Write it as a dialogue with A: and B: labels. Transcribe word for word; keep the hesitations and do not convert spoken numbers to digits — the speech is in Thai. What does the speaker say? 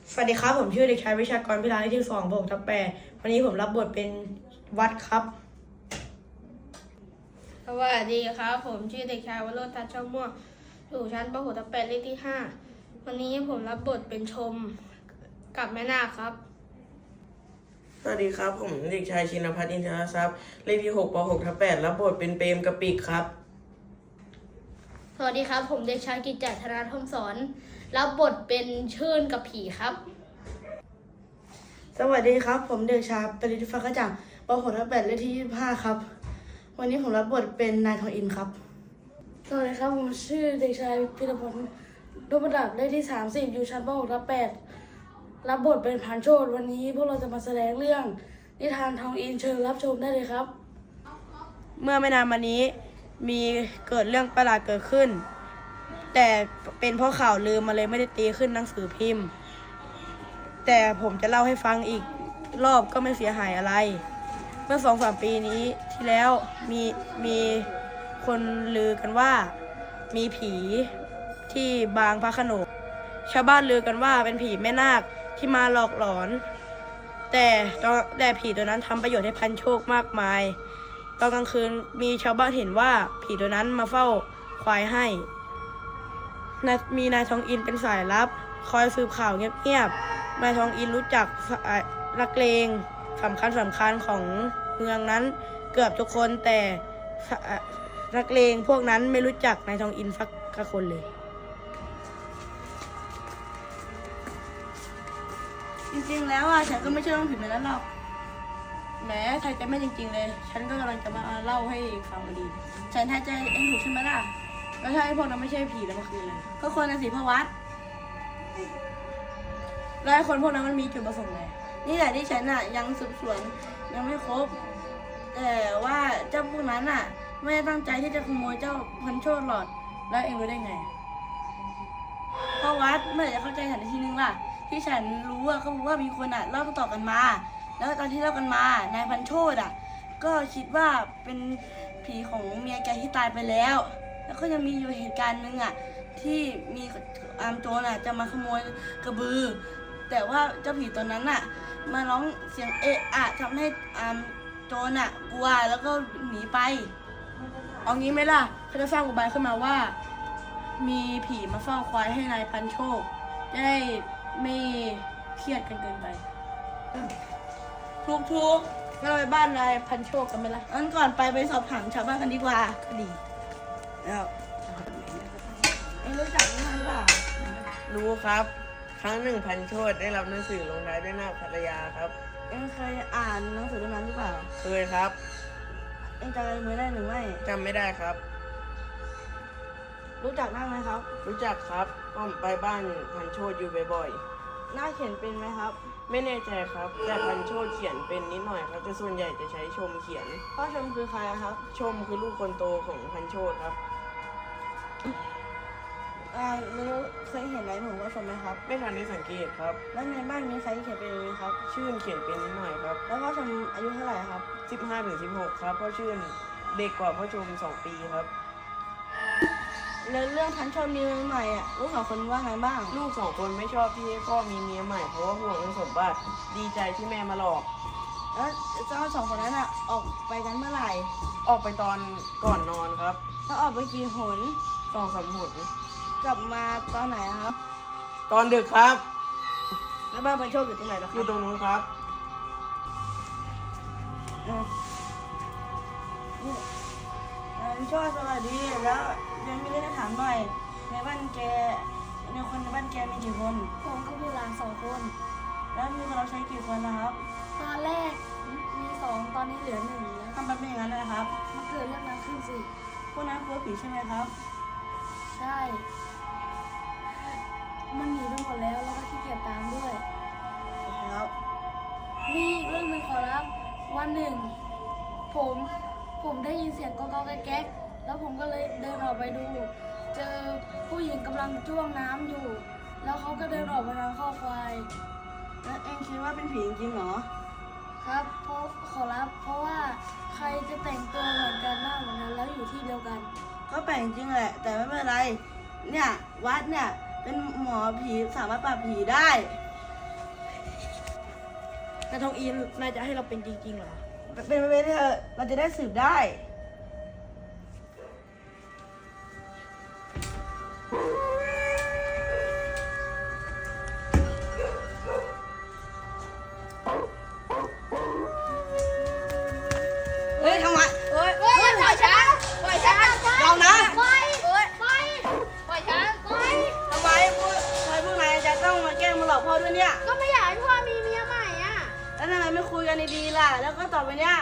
A: สวัสดีครับผมชื่อเด็กชายวิชากรพิลาเลขที่สองบวกทับแปดวันนี้ผมรับบทเป็นวัดครับ
B: สวัสดีครับผมชื่อเด็กชายวโรจน์ทัชช่องม่วงอยู่ชั้นป .หก ทับแปดเลขที่ห้าวันนี้ผมรับบทเป็นชมกับแม่นาคครับ
C: สวัสดีครับผมเด็กชายชินภัทรอินทรทรัพย์เลขที่หกป . หก ทับแปดรับบทเป็นเปรมกะปิครับ
B: สวัสดีครับผมเด็กชายกิจจธนาทองสอนรับบทเป็นชื่นกับผีครับ
A: สวัสดีครับผมเด็กชายปริธิฟ้ากระจ่างป .หก ทับแปดเลขที่ยี่สิบห้าครับวันนี้ผมรับบทเป็นนายทองอินครับสวัสดีครับผมชื่อเด็กชายพิรพลดวงประดับเลขที่สามสิบอยู่ชั้นป .หก ทับแปดรับบทเป็นพันโชติวันนี้พวกเราจะมาแสดงเรื่องนิทานทองอินเชิญรับชมได้เลยครับเมื่อไม่นานมานี้มีเกิดเรื่องประหลาดเกิดขึ้นแต่เป็นเพราะข่าวลืมมาเลยไม่ได้ตีขึ้นหนังสือพิมพ์แต่ผมจะเล่าให้ฟังอีกรอบก็ไม่เสียหายอะไรเมื่อสองสามปีนี้ที่แล้วมีมีคนลือกันว่ามีผีที่บางพระโขนงชาวบ้านลือกันว่าเป็นผีแม่นาคที่มาหลอกหลอนแต่แต่ผีตัวนั้นทำประโยชน์ให้พันโชคมากมายตอนกลางคืนมีชาวบ้านเห็นว่าผีตัวนั้นมาเฝ้าควายให้มีนายทองอินเป็นสายลับคอยสืบข่าวเงียบๆนายทองอินรู้จักนักเลงสำคัญสำคัญของเมืองนั้นเกือบทุกคนแต่นักเลงพวกนั้นไม่รู้จักนายทองอินสักคนเลยจริงๆแล้วอ่ะฉันก็ไม่เชื่อเรื่องผีแบบนั้นหรอกแหมไทยใจไม่จริงๆเลยฉันก็กำลังจะมาเล่าให้ฟังพอดีฉันไทยใจเองถูกใช่ไหมล่ะก็ใช่พวกนั้นไม่ใช่ผีแล้วเมื่อคืนเลยก็คนนะสิพวัตแล้วไอ้คนพวกนั้นมันมีจุดประสงค์ไงนี่แหละที่ฉันอ่ะยังสืบสวนยังไม่ครบแต่ว่าเจ้าพวกนั้นอ่ะไม่ได้ตั้งใจที่จะขโมยเจ้าพันโชติหรอกแล้วเองรู้ได้ไงพวัตเมื่อไหร่จะเข้าใจฉันทีนึงล่ะที่ฉันรู้อ่ะเขาบอกว่ามีคนอ่ะเล่าต่อๆกันมาแล้วตอนที่เล่ากันมานายพันโชติอ่ะก็คิดว่าเป็นผีของเมียแกที่ตายไปแล้วแล้วก็ยังมีอยู่เหตุการณ์หนึ่งอ่ะที่มีอามโจรอ่ะจะมาขโมยกระบือแต่ว่าเจ้าผีตัวนั้นอ่ะมาร้องเสียงเอะอะทำให้อามโจรอ่ะกลัวแล้วก็หนีไปเอางี้ไหมล่ะเขาจะสร้างอุบายขึ้นมาว่ามีผีมาเฝ้าควายให้นายพันโชคจะได้ไม่เครียดกันเกินไปทุกทุกเราไปบ้านนายพันโชคกันไหมล่ะงั้นก่อนไปไปสอบถามชาวบ้านกันดีกว่าก็ดีแล้วเอ็งรู้จักนิทานป่ะ
C: รู้ครับครั้งหนึ่งพันโชติได้รับหนังสือลงท้ายด้วยหน้าภรรยาครับ
A: เอ็งเคยอ่านหนังสือเรื่องนั้นหรือเปล่า
C: เคยครับ
A: เอ็งจำอะไรมือได้หรือไม่
C: จำไม่ได้ครับ
A: รู้จักนั่งไหมครับ
C: รู้จักครับผมไปบ้านพันโชติอยู่บ่อย
A: ๆหน้าเขียนเป็นไหมครับ
C: ไม่แน่ใจครับแต่พันโชติเขียนเป็นนิดหน่อยครับแต่ส่วนใหญ่จะใช้ชมเขียน
A: พ่อชมคือใครครับ
C: ชมคือลูกคนโตของพันโชติครับ
A: อ่าแล้วเคยเห็นอะไรผมว่าชมไหมครับ
C: ไม่ทันได้สังเกตครับ
A: แล้วในบ้านมีใครเขียนเป็นไหมครับ
C: ชื่นเขียนเป็นนิดหน่อยครับ
A: แล้วพ่อชมอายุเท่าไหร่ครับ
C: สิบห้าถึงสิบหกครับพ่อชื่นเด็กกว่าพ่อชมสองปีครับ
A: แล้วเรื่องพันโชติมีเมียใหม่อ่ะลูกสองคนว่าไงบ้าง
C: ลูกสองคนไม่ชอบที่ให้พ่อมีเมียใหม่เพราะว่าห่วงเรื่องสมบัติดีใจที่แม่มาหลอก
A: แล้วเจ้าสองคนนั้นอ่ะออกไปกันเมื่อไหร่
C: ออกไปตอนก่อนนอนครับ
A: แล้วออกไปกี่หน
C: สองสามหน
A: กลับมาตอนไหนครับ
C: ตอนดึกครับ
A: แล้วบ้านพันโชติอยู่ตรงไหนล่ะครับ
C: อยู่ตรงนู้นครับ
A: อืมนี่พันโชติสวัสดีแล้วยังมีเรื่องจะถามหน่อยในบ้านแกในคนในบ้านแกมีกี่คน
B: ผมก็มีหลานสองคน
A: แล้วมีคนเราใช้กี่คนนะครับ
B: ตอนแรกมีสองตอนนี้เหลือหนึ่งแล้ว
A: ทำแบบนี้อย่างนั้นเลยครับ
B: มันเกิดเรื่องนั้นขึ้นสิ
A: พวกนั้นกลัวผีใช่ไหมครับ
B: ใช่มันหนีไปหมดแล้วแล้วก็ขี้เกียจตามด้วย
A: ครับ
B: มีอีกเรื่องหนึ่งขอรับวันหนึ่งผมผมได้ยินเสียงก๊อกๆแก๊กๆแล้วผมก็เลยเดินออกไปดูเจอผู้หญิงกำลังจ้วงน้ำอยู่แล้วเขาก็เดินออกมาทางข้อควาย
A: แล้วเองคิดว่าเป็นผีจริงเหรอ
B: ครับเพราะขอรับเพราะว่าใครจะแต่งตัวเหมือนกันหน้าเหมือนกันแล้วอยู่ที่เดียวกัน
A: ก็แปลกจริงแหละแต่ไม่เป็นไรเนี่ยวัดเนี่ยเป็นหมอผีสามารถปราบผีได้นายทองอินนายจะให้เราเป็นจริงๆเหรอ เป็นไปไม่ได้เถอะเราจะได้สืบได้ เฮ้ยทำไมเฮ้ย
B: เฮ้ยปล่อยฉันปล่อยฉัน
A: เรานะ
B: ปล่อยปล่อยปล่อยปล่อยฉันปล่อย
A: ทำไมพวกทำไมพวกนายจะต้องมาแกล้งมาหลอกพ่อด้วยเนี่ย
B: ก็ไม่อยากให้พ่อมีเมียใหม่อ่ะ
A: แล้วทำไมไม่คุยกันดีๆล่ะ แล้วก็ต่อไปเนี่ย